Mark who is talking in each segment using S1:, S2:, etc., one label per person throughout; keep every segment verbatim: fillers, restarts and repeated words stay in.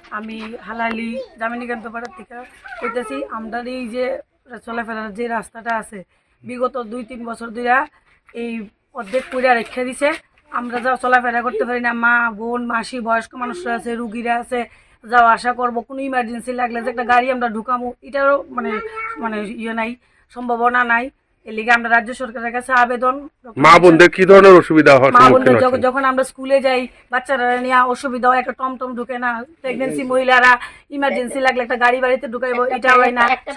S1: আমি হালালি জামিনীকান্ত পাড়ার থেকে কইতেছি। আমাদের এই যে চলাফেরার যে রাস্তাটা আছে বিগত দুই তিন বছর ধরে এই অর্ধেক পুরা রেখে দিছে। আমরা যা চলাফেরা করতে পারি না, মা বোন মাসি বয়স্ক মানুষরা আছে, রুগীরা আছে, যাওয়া আসা করবো, কোনো ইমার্জেন্সি লাগলে যে একটা গাড়ি আমরা ঢুকামো এটারও মানে মানে ইয়ে নাই, সম্ভাবনা নাই। এর লিগে আমরা রাজ্য সরকারের কাছে আবেদন,
S2: মা বোনদের কি ধরনের অসুবিধা হয়?
S1: মা বোনদের যখন আমরা স্কুলে যাই বাচ্চারা নিয়ে অসুবিধা হয়, একটা টমটম ঢুকে না, প্রেগনেন্সি মহিলারা ইমার্জেন্সি লাগলে একটা গাড়ি বাড়িতে ঢুকাইবো এটা হয় না, একটা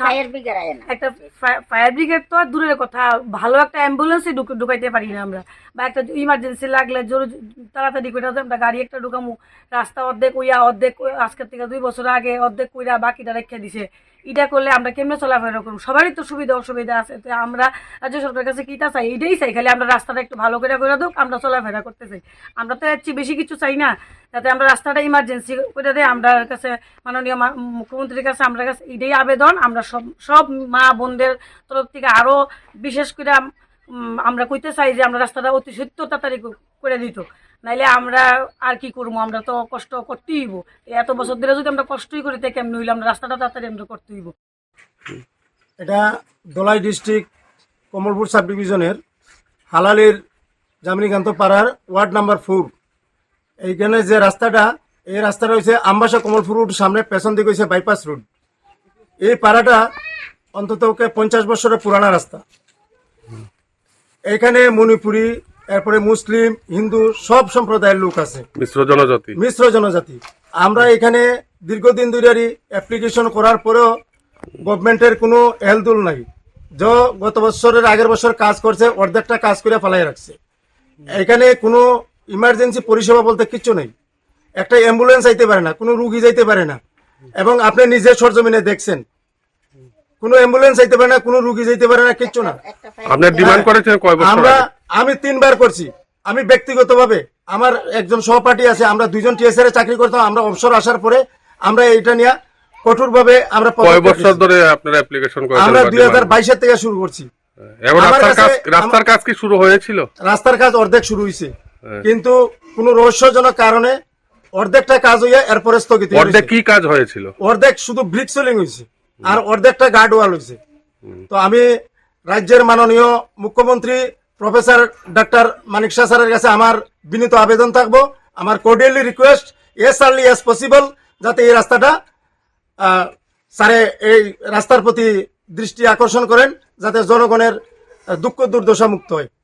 S1: ফায়ার ব্রিগেড তো দূরের কথা, ভালো একটা অ্যাম্বুলেন্সই ঢুকাইতে পারি না আমরা, বা একটা ইমার্জেন্সি লাগলে জোর তাড়াতাড়ি করে আমরা গাড়ি একটা ঢুকামু, রাস্তা অর্ধেক উইয়া অর্ধেক আজকের থেকে দুই বছর আগে অর্ধেক কইরা বাকিটা রেখে দিছে। এটা করলে আমরা কেমনে চলাফেরা করবো? সবারই তো সুবিধা অসুবিধা আছে। তো আমরা রাজ্য সরকারের কাছে কিটা চাই? এটাই চাই, খালি আমরা রাস্তাটা একটু ভালো করে করে হোক, আমরা চলাফেরা করতে চাই। আমরা তো এর চেয়ে বেশি কিছু চাই না, যাতে আমরা রাস্তাটা ইমার্জেন্সি করে দেয়। আমরা কাছে মাননীয় মুখ্যমন্ত্রীর কাছে আমরা কাছে এটাই আবেদন। আমরা সব সব মা বোনদের তরফ থেকে আরও বিশেষ করে আমরা কইতে চাই যে আমরা রাস্তাটা অতি সত্য তাড়াতাড়ি করে দিত, নাইলে আমরা আর কি করবো? আমরা তো কষ্ট করতেই হইব। এত বছর ধরে যদি আমরা কষ্টই করি তাই কেমন হইলে আমরা রাস্তাটা তাড়াতাড়ি আমরা করতে হইব।
S3: এটা ধলাই ডিস্ট্রিক্ট কমলপুর সাব ডিভিশনের হালালির জামিনীকান্ত পাড়ার ওয়ার্ড নাম্বার ফোর। এইখানে যে রাস্তাটা, এই রাস্তাটা হচ্ছে আমবাসা কমলপুর রোড সামনে, পেছন দিকে হচ্ছে বাইপাস রোড। এই পাড়াটা অন্তত পঞ্চাশ বছরের পুরানা রাস্তা। এখানে মণিপুরি, এরপরে মুসলিম, হিন্দু সব সম্প্রদায়ের লোক আছে,
S2: মিশ্র জনজাতি
S3: মিশ্র জনজাতি। আমরা এখানে দীর্ঘদিন ধরে অ্যাপ্লিকেশন করার পরেও গভর্নমেন্টের কোনো হেলদুল নাই। যে গত বছরের আগের বছর কাজ করছে অর্ধেকটা কাজ করে ফেলাই রাখছে। এখানে কোনো ইমার্জেন্সি পরিষেবা বলতে কিচ্ছু নেই। একটা অ্যাম্বুলেন্স যাইতে পারে না, কোনো রুগী যাইতে পারে না, এবং আপনি নিজে সরজমিনে দেখছেন কোনো অ্যাম্বুলেন্স যাইতে পারে না, কোনো রুগী যাইতে পারে না, কিচ্ছু না।
S2: আপনার ডিমান্ড করেছেন কয় বছর?
S3: আমরা আমি তিনবার করছি। আমি ব্যক্তিগতভাবে, আমার একজন সহপাঠী আছে, আমরা দুইজন টিএসআর এ চাকরি করতাম। আমরা অবসর আসার পরে আমরা এটা নিয়ে কঠোরভাবে আমরা
S2: কয় বছর ধরে আপনারা অ্যাপ্লিকেশন করেছেন?
S3: আমরা দুই হাজার বাইশের থেকে শুরু করছি।
S2: এবং রাস্তার কাজ রাস্তার কাজ কি শুরু হয়েছিল?
S3: রাস্তার কাজ অর্ধেক শুরু হয়েছে, কিন্তু কোন রহস্যজনক কারণে অর্ধেকটা কাজ হইয়া এরপরে স্থগিত।
S2: অর্ধেক কি কাজ হয়েছিল?
S3: অর্ধেক শুধু ব্রিক সোলিং হয়েছে, আর অর্ধেকটা গার্ড ওয়াল হয়েছে। তো আমি রাজ্যের মাননীয় মুখ্যমন্ত্রী প্রফেসর ডাক্তার মানিক শাহ স্যারের কাছে আমার বিনীত আবেদন থাকবো, আমার cordially request as early as possible, যাতে এই রাস্তাটা স্যারে এই রাস্তার প্রতি দৃষ্টি আকর্ষণ করেন, যাতে জনগণের দুঃখ দুর্দশা মুক্ত হয়।